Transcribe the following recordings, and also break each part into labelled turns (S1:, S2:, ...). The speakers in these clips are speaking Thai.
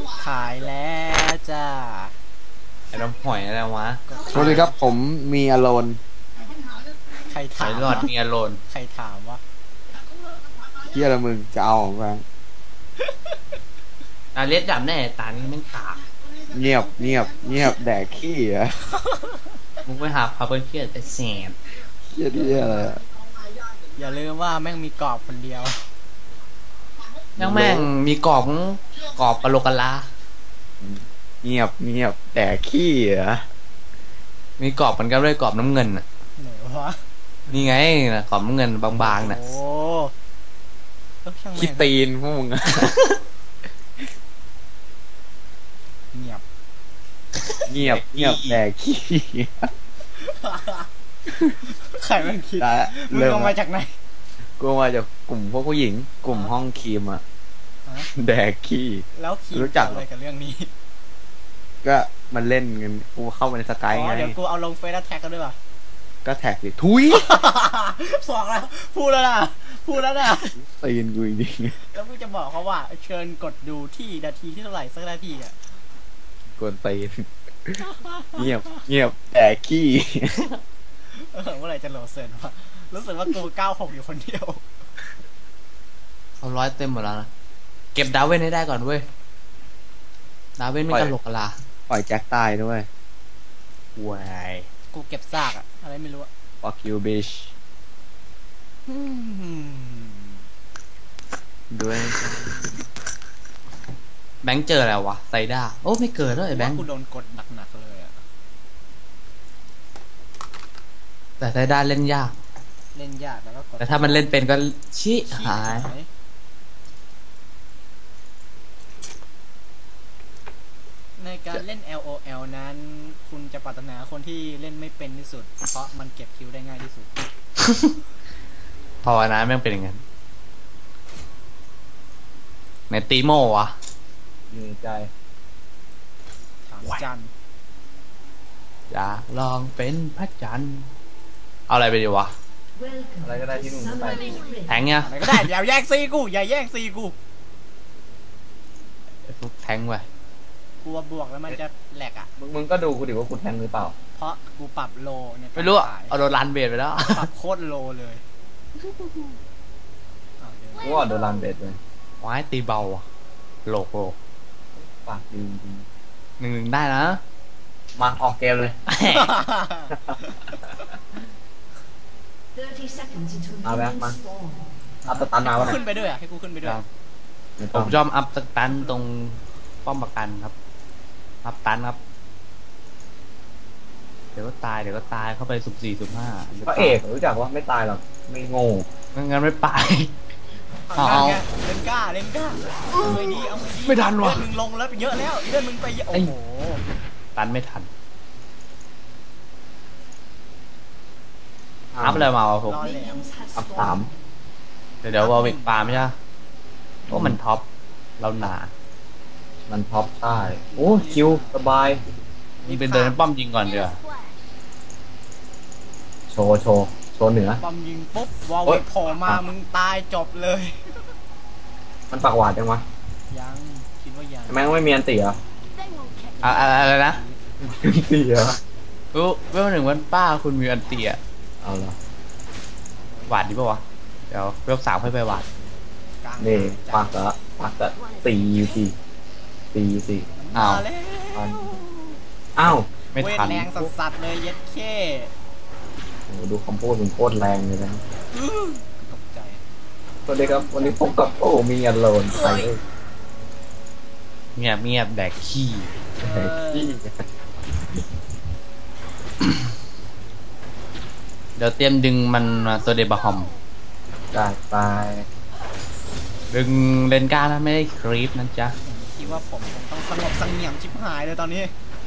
S1: ขายแล้วจ้า
S2: ไอ้น้ำหอยอะไรวะ
S3: สวัสดีครับผมมีอโลน
S1: ใคร
S2: หอ
S1: ถาย ม
S2: หลอดมีอโลน
S1: ใครถามวะ
S3: เฮียละมึงจะเอาของแบง
S2: เลียดดับแน่ตานี้แม่งกาก
S3: เงียบเงียบเงียบแดกขี้อะ
S2: มึงไปหาพาเพื่อนเครียดไปแสบ
S3: เฮียที่อะไรอะ
S1: อย่าลืมว่าแม่งมีกรอบคนเดียว
S2: ยังแม่งมีกรอบกะโหลกกะลา
S3: เงียบเงียบแดกขี้อะ
S2: มีกรอบมันก็ด้วยกรอบน้ำเงินน่ะ
S1: ไหนวะ
S2: นี่ไงนะกรอบน้ำเงินบางๆน่ะ
S1: โอ้ช่าง
S3: ขี้
S1: แม่ง
S3: ตีนพวกมึงอะ
S1: เงียบ
S3: เงียบเงียบแดกขี้
S1: ใครมันคิด
S3: ได้
S1: มึง
S3: เริ่ม
S1: ลงมาจากไหน
S3: กูมาจากกลุ่มพวกผู้หญิง กลุ่มห้องครีมอะ
S1: ฮะ
S3: แดกขี้
S1: แล้วคิด
S3: รู้จัก
S1: อะไรกับเรื่องนี้
S3: ก็มันเล่นกันกูเข้ามาในสกายไง
S1: เดี๋ยวกูเอาลงเฟซแล้วแท็กกันด้วยป่ะ
S3: ก็แท็กดิทุย
S1: บอกแล้วพูดแล้วนะพูดแล้วนะ
S3: ตีนกูจริง
S1: แล้วกูจะบอกเขาว่า เชิญกดดูที่นาทีที่เท่าไหร่สักนาทีอ่ะ
S3: ๆกวนตีนเงียบเงียบแดกขี้
S1: เมื่อไหร่จะโหลดเสร็จวะรู้สึกว่ากู96อยู่คนเดียว
S2: เอาร้อยเต็มหมดแล้วนะเก็บดาวเว้นให้ได้ก่อนเว้ยดาวเว้นไม่กะโหลกกะลา
S3: ปล่อยแจ็คตายด้วย
S2: วาย
S1: กูเก็บซากอะอะไรไม่รู้อะ
S3: fuck you bitch
S1: อืม
S3: ด้วย
S2: แบงค์เจออะไรวะไซด้าโอ้ไม่เกิดแล้วไอ้แบงค์
S1: กูโดนกดหนักๆเลยอะ
S2: แต่ไซด้าเล่นยาก
S1: เล่นยากแล้วก็กด
S2: แต่ถ้ามันเล่นเป็นก็ชิหาย
S1: ในการเล่น LOL นั้น คุณจะปรารถนาคนที่เล่นไม่เป็นที่สุด เพราะมันเก็บคิวได้ง่ายที่สุด
S2: ภาวนาแม่งเป็นอย่างนั้นในตีโมวะ
S3: มีใจ
S1: ถามจัน
S2: อยากลองเป็นพระจันทร์เอาอะไรไปดีวะ
S3: อะไรก็ได้ที่มึงไป
S2: แทงเนี่ย
S1: อะไรก็ได้อย่าแย่งซีกูอย่าแย่งซีกู
S2: ไอ้พวกแทงไป
S1: กลัวบวกแล้วมันจะแหลกอ่ะ
S3: มึงก็ดูกูดิว่ากูแทงหรือเปล่า
S1: เพราะกูปรับโลเนี่ย
S2: ไม่รู้อะ
S1: ขาย
S2: เอาโดนลันเบดไปแล้ว
S1: ปรับโคตรโลเลยอ้าวเดี๋ยว
S3: กูว่าโดนรันเบสเลย
S2: ว้ายตีเบาอะโหลก
S3: ปากดีจริง
S2: 1-1ได้นะ
S3: มาออกเกมเลย
S4: เอาแบบมา
S3: เอาสตันมาวะ
S1: ขึ้นไปด้วยอ่ะให้กูขึ้นไปด้วย
S2: ผมชอบอัพสตันตรงป้อมประกันครับ อัพตันครับ เดี๋ยวก็ตายเข้าไปสุ่ม 4 สุ่ม 5
S3: พระเอกรู้จักว่าไม่ตายหรอกไม่โง่
S2: งั้นไม่ไป เอา
S1: นั่นไงเล่นกล้าเอาไม่ดีเอาไม่ดี
S2: ไม่ทันว่ะ
S1: เลือดมึงลงแล้วเยอะแล้วเลือดมึงไปเยอะโอ้โห
S2: ตันไม่ทัน อัพอะไรมาวะผม
S1: รอแหลม
S3: อัพ3
S2: เดี๋ยววอลวิกปาไม่ใช่เพราะมันท็อปเราหนา
S3: มันท็อปใช่โอ้คิวสบาย
S2: นี่เป็นเดินป้อมยิงก่อนเดี๋ยว
S3: โชว์เหนือ
S1: ปอมยิงปุ๊บวอล
S3: โอ๊
S1: วิ
S3: ย
S1: กโผล่มามึงตายจบเลย
S3: มันปากหวานจังวะ
S1: ยังคิดว่ายัง
S3: ทำไมไม่มีอันตีเหรอ
S2: อะไรนะ
S3: ตีเหรอ
S2: รู้เวล 1วันป้าคุณมีอันเตีย
S3: เอาละ
S2: หวาดดีป่าวะ เดี๋ยวเวล 3ค่อยไปหวาด
S1: กลาง
S3: นี่
S1: จั
S3: ปากละตีอยู่ทีตีอยู่ที
S2: อ้าว
S1: มาแล้ว
S3: อ้าว
S2: ไม่
S1: เวท
S2: ทัน
S1: แรงสัสๆเลยเย็ดเข้
S3: โอ้ดูคำพูดมึงโคตรแรงเลยนะ
S1: ตกใจ
S3: สวัสดีครับวันนี้พบกับโอ้มีอันโลนใครเอ้ย
S2: เงียบแดกขี้
S3: แหกขี้
S2: เดี๋ยวเตรียมดึงมันมาตัวเดบะฮอม
S3: ได้ตาย
S2: ดึงเลนก้านะไม่ได้ครีปนะจ๊ะ
S1: คิดว่าผมคงต้องสงบเสงี่ยมชิบหายเลยตอนนี้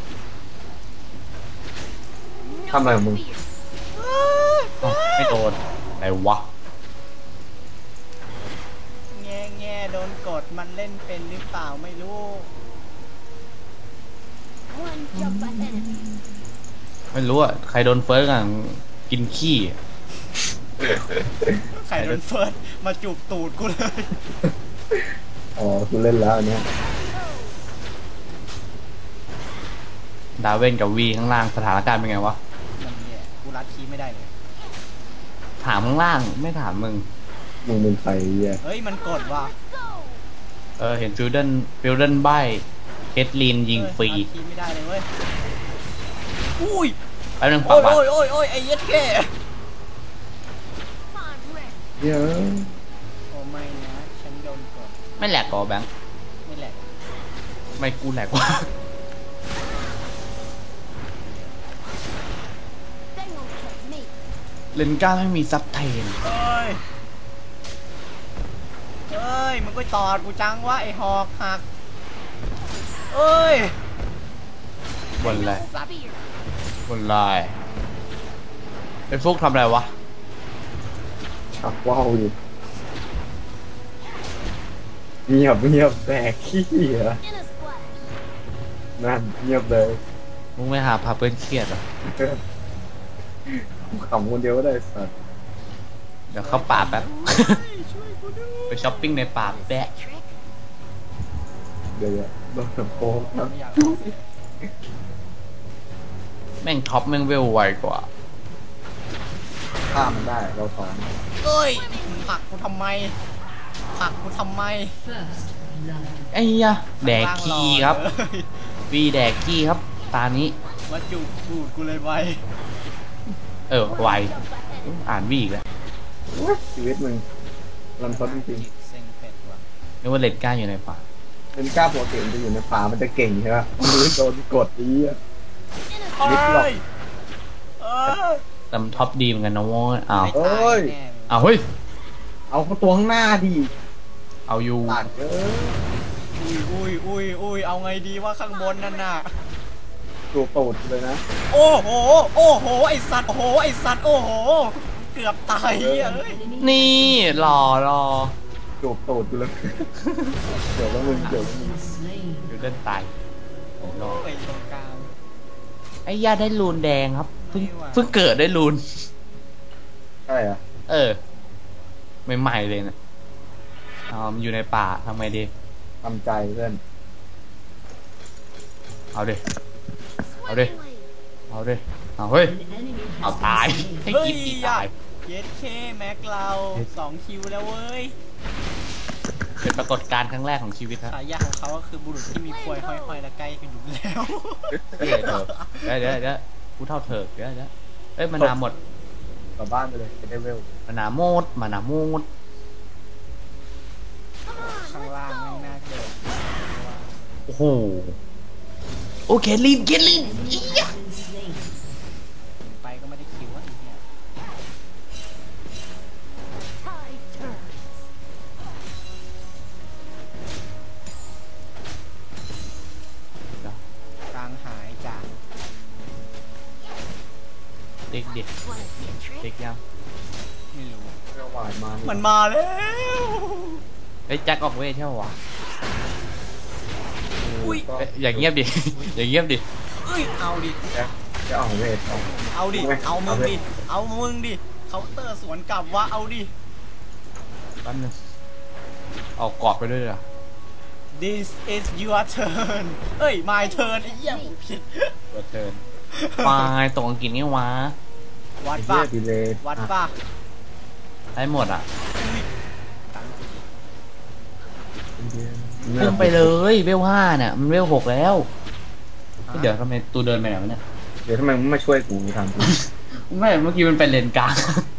S3: ทำอะไรของมึง
S2: อ้าวไม่โดนไหนวะ
S1: แง่โดนกดมันเล่นเป็นหรือเปล่าไม่รู้
S2: ไม่รู้อ่ะ ใครโดนเฟิร์สอ่ะกินขี้
S1: ใครโดนเฟิร์สมาจูบตูดกูเลย
S3: อ๋อกูเล่นแล้วอันเนี้ย
S2: ดาวเวนกับวีข้างล่างสถานการณ์เป็นไงวะ
S1: มันเนี่ยกูรัดคีย์ไม่ได้เลย
S2: ถามข้างล่างไม่ถามมึง
S3: มึงเป็นใครอ่ะ
S1: เฮ้ยมันกดว่ะ
S2: เห็นฟิลเดนใบเคทลีนยิงฟรี
S1: รัดคีย์ไม่ได้เลยเว้ยอุ้ย
S2: แป๊บนึง
S1: โอ้
S2: ปัก
S1: ย
S2: บัต
S1: โอ้ยไอ้เย็ดแค่
S3: เยอะ
S1: โอ้ไม่นะฉันโดนกด
S2: ไม่แหลกก่อแบงค์
S1: ไม่แหละ
S2: ไม่กูแหลกวะเลนก้าไม่มีซับเทน
S1: เอ้ยมึงก็ตอดกูจังวะไอ้หอกหักเอ้ย
S2: บนอะไร
S1: สัตว์
S2: บนลายไอ้ฟุกทำอะไรวะ
S3: ชักว่าวอยู่เงียบแดกขี้เหรอนั่นเงียบเลย
S2: มึงไม่หาพาเพื่อนเครียดเหรอ
S3: ขำคนเดียวก็ได้สัตว์
S2: เดี๋ยวเข้าป่าแป๊บ
S1: ช่วยกูด้วย
S2: ไปช้อปปิ้งในป่าแปะ
S3: เดี๋ยวโดนโป๊กครับ
S1: ไม่อยาก
S2: แม่งท็อปแม่งเวลไวกว่า
S3: ฆ่ามันได้เราสอน
S1: เอ้ยมึงผลักกูทำไมผลักกูทำไม
S2: ไอ้ยะแดกขี้ครับ วีแดกขี้ครับ ตานี้
S1: มาจูบกูดกูเลยไว
S2: ไวอ่านวีอีกแล้ว
S3: ชีวิตมึงรันทดจริง
S1: เซ็งเป็ดว่ะ
S2: นึกว่าเลนก้าอยู่ในป่า
S3: ๆเป็นกล้าปกติมันจะอยู่ในป่ามันจะเก่งใช่ไหมมันรู้โดนกดดีอ่ะ
S1: เอ้ยเอ้ย
S2: แต่มันท็อปดีเหมือนกันนะโว้ยอ้าว
S1: ไม่ตายแน่
S2: อ้าวเฮ้ย
S3: เอาเขาตัวข้างหน้าดิ
S2: เอาอยู่
S3: ตัดเออ
S1: อุ้ยเอาไงดีว่าข้างบนนั่นน่ะ
S3: ตัวตูดเลยนะ
S1: โอ้โหไอสัตว์โอ้โหเกือบตายเฮ้ย
S2: นี่หล่อ
S3: จูบตูดกูเลย เดี๋ยวแล้วมึง
S2: อยู่เดินตายโอ้โห
S1: ไปตรงกลาง
S2: ไอ้ย่าได้รูนแดงครับเพิ่ง
S1: ไม่ไหว
S2: เพิ่งเกิดได้รูน
S3: ใช่เหรอ
S2: ใหม่ๆเลยนะมันอยู่ในป่าทำไงดี
S3: ทำใจเพื่อน
S2: เอาดิเอาเฮ้ยเอาตายให้
S1: เฮ้ย
S2: กิฟตี
S1: อยา
S2: ตาย
S1: เย็ดเคแม็กเรา2 คิวแล้วเว้ย
S2: เป็นปรากฏการณ์ครั้งแรกของชีวิตครับ
S1: ฉายาของเขาก็คือบุรุษที่มีควยห้อยๆและใกล้กันอยู่แล้ว
S2: เดี๋ยวกูเท่าเถิกเดี๋ยวเอ้ยมานาวหมด
S3: กลับบ้านไปเลยจะได้เวล
S2: มานาวหมด
S1: ข้างล่างไม่น่าเกิด
S2: โอ้โหโอเคลีนอียะ
S1: ไปก็ไม่ได้คิวอ่ะไอ้เนี่ย กลางหายจาก
S2: เด็กยัง
S1: ไม่รู้
S3: เวลหวานมา
S1: มั
S3: มัน
S1: มาแล้ว
S2: เฮ้ยแจ็คออกเวทใช่ปะวะ
S1: อุ้ย
S2: อย่างเงียบดิ อย่างเงียบดิ
S1: เอ้ยเอาดิ
S3: จะเอาเวทเอา
S1: เอาดิ เอามึงดิ เอามึงดิเคาน์เตอร์สวนกลับว่าเอาดิ
S2: แป๊บนึงเอากรอบไปด้วยเหรอ
S1: This is your turn เอ้ย my turn ไอ้เหี้ยผมผิด
S2: ตัวเทิร์นมาตรงอังกฤษนี่วะ
S1: วัด
S3: ไอ้
S1: ป่ะ
S3: เหี้ยดีเลย
S1: วัดป่ะ
S2: ได้หมดอ่ะ
S3: เงี
S2: เพิ่
S3: ย
S2: ม
S3: บ
S2: ไปเลยเวล5เนี่ยมันเวล6แล้วเดี๋ยวทำไมตัวเดินไปไหนวะเนี่ย
S3: เดี๋ยวทำไมมึงไม่ช่วยกูทำกู
S2: ไม่เมื่อกี้มันเป็นเลนกลาง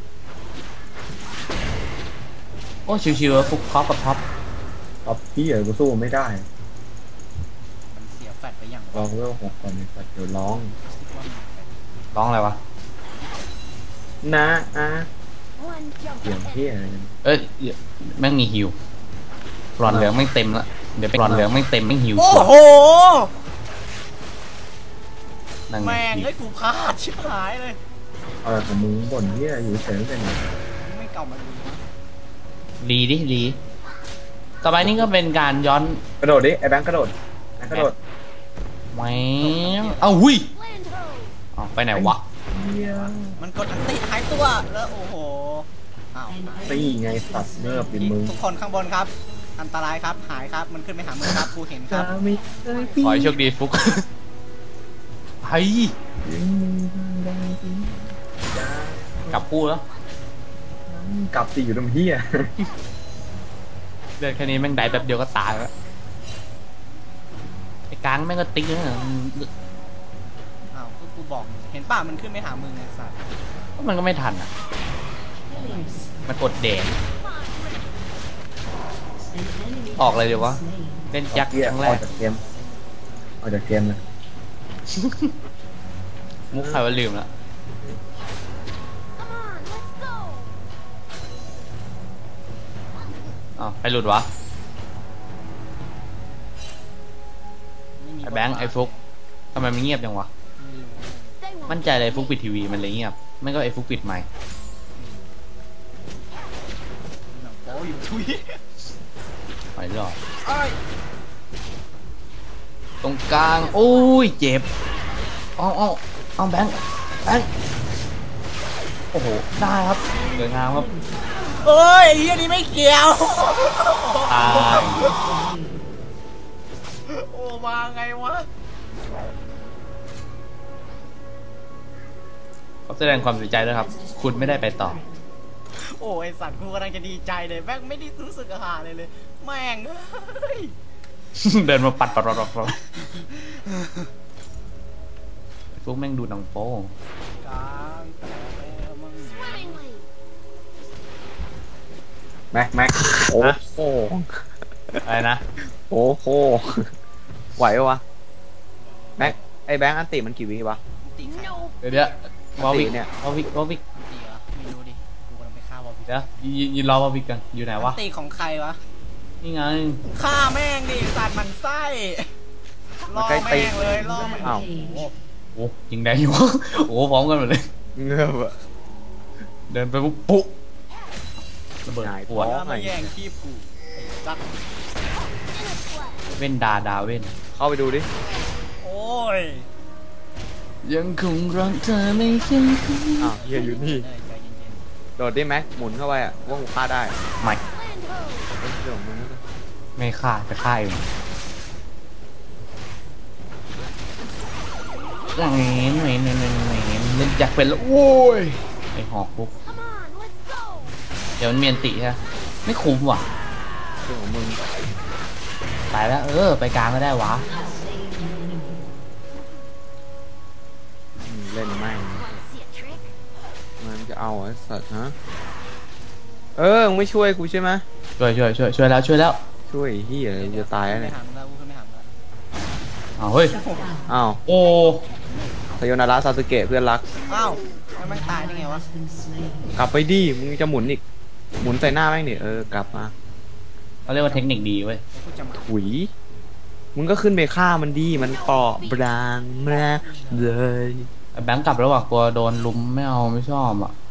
S2: โอ้ชิวๆฟุกท็อปกับท็อป
S3: ตอบพี่กูสู้ไม่ได้
S1: มันเสียแฟดไปอย่าง
S3: ลองเวล6ก่อนเลยเดี๋ยวร้อง
S2: ร้องอะไรวะ
S3: นะเสียงพี่อะไรกัน
S2: เอ้ยแม่งมีฮิวหลอดเหลืองไม่เต็มละเดี๋ยวไปหลอดเหลืองไม่เต็มไม่ฮิว
S1: โอ้
S2: ตัว
S1: โห
S2: นั่ง
S1: แม่ง
S2: ฮิว
S1: ให้กูพลาดชิบหายเลย
S3: อะไรของมึงบ่นเหี้ยอยู่เฉยๆเป็นไง
S1: ไม่เก่ามาดูนะ
S2: รีต่อไปนี่ก็เป็นการย้อน
S3: กระโดดดิไอ้แบงค์กระโดดแบงค์กระโดด
S2: แหวงเอาหุยเอาไปไหนวะ
S1: มันกดอันติหายตัว แล้วโอ้โห อ้าว
S3: ตีไงสัตว์เนิบดิมึง
S1: ทุกคนข้างบนครับ อันตรายครับ หายครับ มันขึ้นไปหามึงครับกูเห็นครับ
S2: ขอให้โชคดีฟุกเฮ้ยกลับคู่แล้ว
S3: กลับสิอยู่ตรงเฮีย
S2: เลือดแค่นี้แม่งได้แบบเดียวก็ตายแล้วไอ้กลางแม่งก็ติ๊กนะ
S1: อ้าวก็กูบอกเห็นป่ะมันขึ้นไม่หามึงไงสัตว์
S2: มันก็ไม่ทันอ่ะมันกดแดงออกเลยเดี๋ยววะเล่นยักษ์ครั้งแร
S3: ออก กจากเกมออกจากเกมเลย
S2: มุกใครว่าลืมแล้วอ้าวใครหลุดวะ
S1: ไม่มี
S2: ไอ้แบงค์ไอ้ฟุกทำไมมันเงียบจังวะ
S1: ไม่รู้
S2: มั่นใจเลยฟุกปิดทีวีมันเลยเงียบไม่ก็ไอ้ฟุกปิดไมค์
S1: หนังโป๊อยู่ทุย
S2: หอยหลอด
S1: เอ้ย
S2: ตรงกลางโอ้ยเจ็บเอาแบงค์โอ้โหได้ครับสวยงามครับ
S1: เอ้ยไอ้เฮียนี่ไม่เกี่ยว
S2: ตาย
S1: โอ้มาไงวะ
S2: ขอแสดงความเสียใจด้วยครับ คุณไม่ได้ไปต่อ
S1: โอ้ไอสัตว์กูกำลังจะดีใจเลยแม่งไม่ได้รู้สึกอาหารเลยแม่งเอ้ย
S2: เดินมาปัดฟุกแม่งดูหนังโป้ง
S1: กลางแต่แล้วมึง
S3: แม็กโอ้โห
S2: อะไรนะ
S3: โอ้โหไหวปะวะแม็กไอ้แบงค์อันติมันกี่วิวะ
S1: ตีใคร
S2: เดี๋ยววอลวิก
S3: เนี่ย
S2: วอลวิก
S1: ตีเหรอไม่รู้ดิกูกำลังไปฆ่าวอลพิ
S2: เดี๋ยวยืนรอวอลวิกกันอยู่ไหนวะ
S1: ตีของใครวะ
S2: นี่ไง
S1: ฆ่าแม่งดิสัตว์มันไส้ล่อแม่งเลยล่อแม่ง
S3: อ้าว
S1: โอ้โห
S2: โอ้ยิงแดงอยู่ โอ้พร้อมกันหมดเลย
S3: เงือบอะ
S2: เดินไปปุ๊บปุ๊ระเบิด
S3: หงาย
S2: ปวด
S3: ท้
S1: แล้วมาแย่งคีบกูไอ้สัตว์
S2: เว้นดาเว้น
S3: เข้าไปดูดิ
S1: โอ้ย
S2: ยังคงรักเธอไม่คิด
S3: อ้าวเฮียอยู่นี่
S1: ใจเย็น
S3: โดดดิแม็กหมุนเข้าไปอ่ะว่ากูฆ่าได้
S2: ไม่
S3: เฮ้ยเรื่องของมึงนะ
S2: ไม่ฆ่าจะฆ่าเองแหวนเล่นจักเป็นแล้วโอ้ยไอหอกปุ๊บเดี๋ยวมันเมียนติใช่ไหมไม่คุ้มว่ะ
S3: เรื่องของมึง
S2: ไปแล้วไปกลางก็ได้วะ
S3: เล่นแม่งมันจะเอาไอ้สัตว์ฮะมึงไม่ช่วยกูใช่ไหม
S2: ช่วยแล้ว
S3: ช่วยเฮียจะตาย
S1: ๆ
S3: แล้ว
S1: ไม่
S3: เนี่ย
S1: หันแล้วกูไม่หันแล้ว
S2: เอาเฮ้ย
S3: อ้าว
S2: โอ้
S3: ไซโยนาระซาสึเกะเพื่อนรัก
S1: อ้าวแล้วมันตายได้ไงวะ
S3: กลับไปดิมึงจะหมุนอีกหมุนใส่หน้าแม่งดิกลับมา
S2: เขาเรียกว่าเทคนิคดีเว้ย
S1: กูจะมา
S3: ถุยมึงก็ขึ้นไปฆ่ามันดีมันเปราะบางมากเลย
S2: แบงค์กลับแล้วว่ะกลัวโดนลุมไม่เอาไม่ชอบอ่ะ